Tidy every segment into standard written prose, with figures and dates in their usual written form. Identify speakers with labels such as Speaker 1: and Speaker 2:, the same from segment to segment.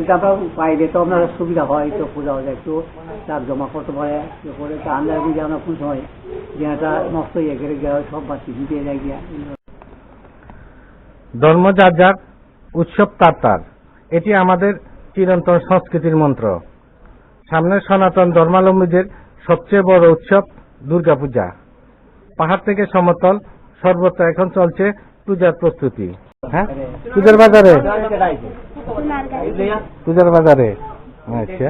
Speaker 1: যদি আমরা পাইলে তো আপনার সুবিধা হয়, তো পূজা হলে একটু চাপ জমা করতে পারে করে আমরা যদি আমরা কোন সময় যেটা নষ্ট হয়ে গেলে সব বাচ্চি দিতে যায় গিয়া।
Speaker 2: ধর্ম যার যার, উৎসব তার তার, এটি আমাদের চিরন্তন সংস্কৃতির মন্ত্র। সামনের সনাতন ধর্মাবলম্বীদের সবচেয়ে বড় উৎসব দুর্গাপূজা। পাহাড় থেকে সমতল সর্বত্র এখন চলছে পূজার প্রস্তুতি। হ্যাঁ, পূজার বাজারে, পূজার বাজারে। আচ্ছা,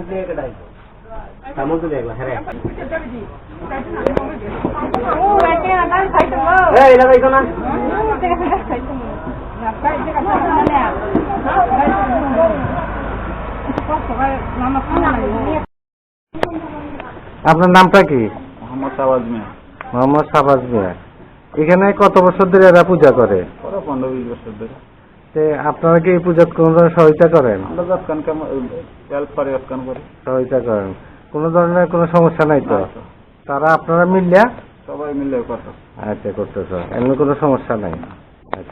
Speaker 2: আপনার নামটা কি?
Speaker 3: মোহাম্মদ শাহবাজ মিয়া।
Speaker 2: মোহাম্মদ শাহবাজ মিয়া। এখানে কত বছর ধরে এরা পূজা করে?
Speaker 3: 15-20 বছর ধরে।
Speaker 2: আপনারা কি এই পূজা কোন ধরনের সহায়তা করেন?
Speaker 3: আমরা হেল্প করি, করি,
Speaker 2: সহায়তা করেন। কোন ধরনের কোনো সমস্যা নাই তো? তারা আপনারা মিলিয়া
Speaker 3: সবাই মিলে করতে।
Speaker 2: আচ্ছা, করতেছ, এমনি কোনো সমস্যা নাই। আচ্ছা,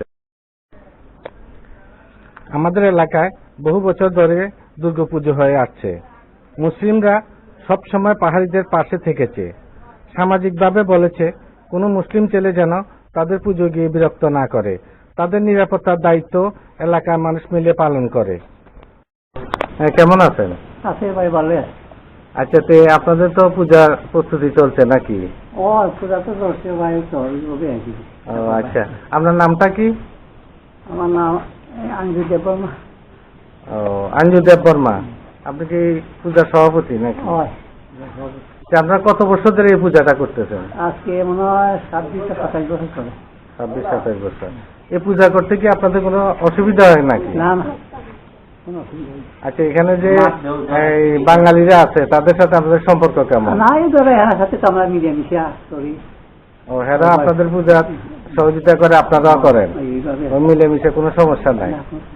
Speaker 2: আমাদের এলাকায় বহু বছর ধরে দুর্গাপুজো হয়ে আসছে। মুসলিমরা সব সময় পাহাড়িদের পাশে থেকেছে। সামাজিকভাবে বলেছে কোনো মুসলিম ছেলে যেন তাদের পুজো গিয়ে বিরক্ত না করে। তাদের নিরাপত্তার দায়িত্ব এলাকার মানুষ মিলে পালন করে। কেমন আছেন?
Speaker 1: আছে ভাই, ভালো আছে।
Speaker 2: আচ্ছা, আপনাদের তো পূজার প্রস্তুতি চলছে নাকি?
Speaker 1: ও পূজা তো চলছে ভাই, চলবে আর কি।
Speaker 2: ও আচ্ছা, আপনার নামটা কি?
Speaker 1: আমার নাম আঞ্জু দেববর্মা।
Speaker 2: ও, আঞ্জু দেববর্মা। আপনি কি পূজার সভাপতি নাকি? আপনারা কত বছর ধরে এই পূজাটা করতেছেন?
Speaker 1: আজকে মনে হয় 26-27 বছর চলে।
Speaker 2: 26-27 বছর। এই পূজা করতে কি আপনাদের কোনো অসুবিধা হয় নাকি?
Speaker 1: না না,
Speaker 2: আচ্ছা, এখানে যে বাঙালিরা আছে তাদের সাথে আপনাদের সম্পর্ক কেমন?
Speaker 1: না, এই ধরো এর সাথে তো আমরা মিলেমিশে করি।
Speaker 2: ও, হেরা আপনাদের পূজা সহযোগিতা করে, আপনারাও করেন, মিলেমিশে, কোনো সমস্যা নাই।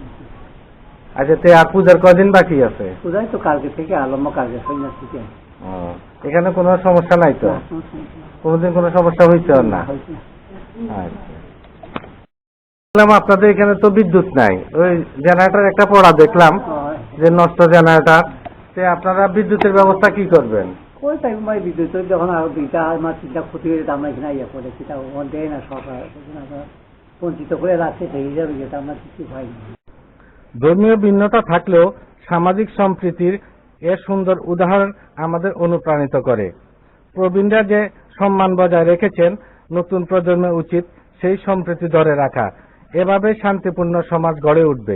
Speaker 2: আচ্ছা, আর পূজার কদিন বাকি আছে?
Speaker 1: পূজায় তো কালকে থেকে আরম্ভ, কালকে সন্ধ্যা থেকে।
Speaker 2: এখানে কোনো সমস্যা নাই তো? কোনোদিন কোনো সমস্যা হয়েছে না? আচ্ছা, আপনাদের এখানে তো বিদ্যুৎ নাই, ওই জেনারেটর একটা পড়া দেখলাম যে নষ্ট জেনারেটর। আপনারা বিদ্যুতের ব্যবস্থা কি করবেন?
Speaker 1: ওই টাইম ভাই বিদ্যুৎ যখন আরো 2টা ক্ষতি হয়ে যেত, আমরা এখানে ইয়ে করে সেটা দেয় না সরকার, বঞ্চিত করে রাখছে, সেই হিসাবে যেটা আমরা কিছু পাইনি।
Speaker 2: ধর্মীয় ভিন্নতা থাকলেও সামাজিক সম্প্রীতির এর সুন্দর উদাহরণ আমাদের অনুপ্রাণিত করে। প্রবীণরা যে সম্মান বজায় রেখেছেন, নতুন প্রজন্মের উচিত সেই সম্প্রীতি ধরে রাখা। এভাবে শান্তিপূর্ণ সমাজ গড়ে উঠবে।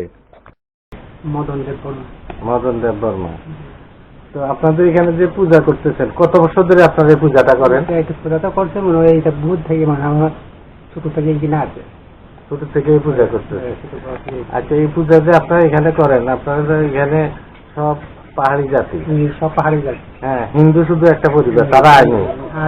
Speaker 1: মদন দেববর্মা।
Speaker 2: মদন দেববর্মা। তো আপনাদের এখানে যে পূজা করতেছেন, কত বছর ধরে আপনারা এই পূজাটা করেন?
Speaker 1: পূজাটা করছে মনে হয় এটা বুধ থেকে, মানে আমার ছোট থেকে কিনা আছে,
Speaker 2: ছোট থেকে এই পূজা করতেছে। আচ্ছা, এই পূজা যে আপনারা এখানে করেন, আপনারা এখানে সব পাহাড়ি জাতি?
Speaker 1: সব পাহাড়ি জাতি।
Speaker 2: হ্যাঁ, হিন্দু শুধু একটা পরিবার, তারা আইনি।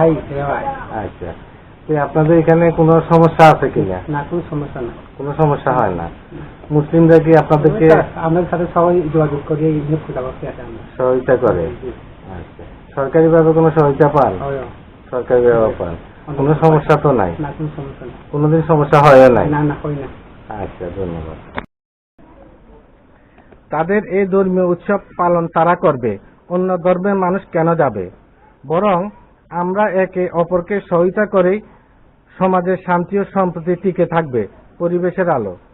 Speaker 2: আচ্ছা, আপনাদের এখানে কোনো সমস্যা আছে কিনা?
Speaker 1: না, কোনো সমস্যা না।
Speaker 2: কোনো সমস্যা হয় না? মুসলিমরা কি আপনাদেরকে
Speaker 1: আমাদের সাথে সবাই যোগাযোগ করে পূজা করতে আসে,
Speaker 2: সহায়তা করে? আচ্ছা, সরকারি ভাবে কোনো সহায়তা পান? সরকারি ভাবে পান, কোনো সমস্যা তো নাই?
Speaker 1: না, কোনো সমস্যা নেই।
Speaker 2: কোনোদিন সমস্যা হয় নাই?
Speaker 1: না না, হয় না।
Speaker 2: আচ্ছা, ধন্যবাদ। তাদের এই ধর্মীয় উৎসব পালন তারা করবে, অন্য ধর্মের মানুষ কেন যাবে? বরং আমরা একে অপরকে সহায়তা করেই সমাজের শান্তি ও সম্প্রীতি টিকে থাকবে। পরিবেশের আলো।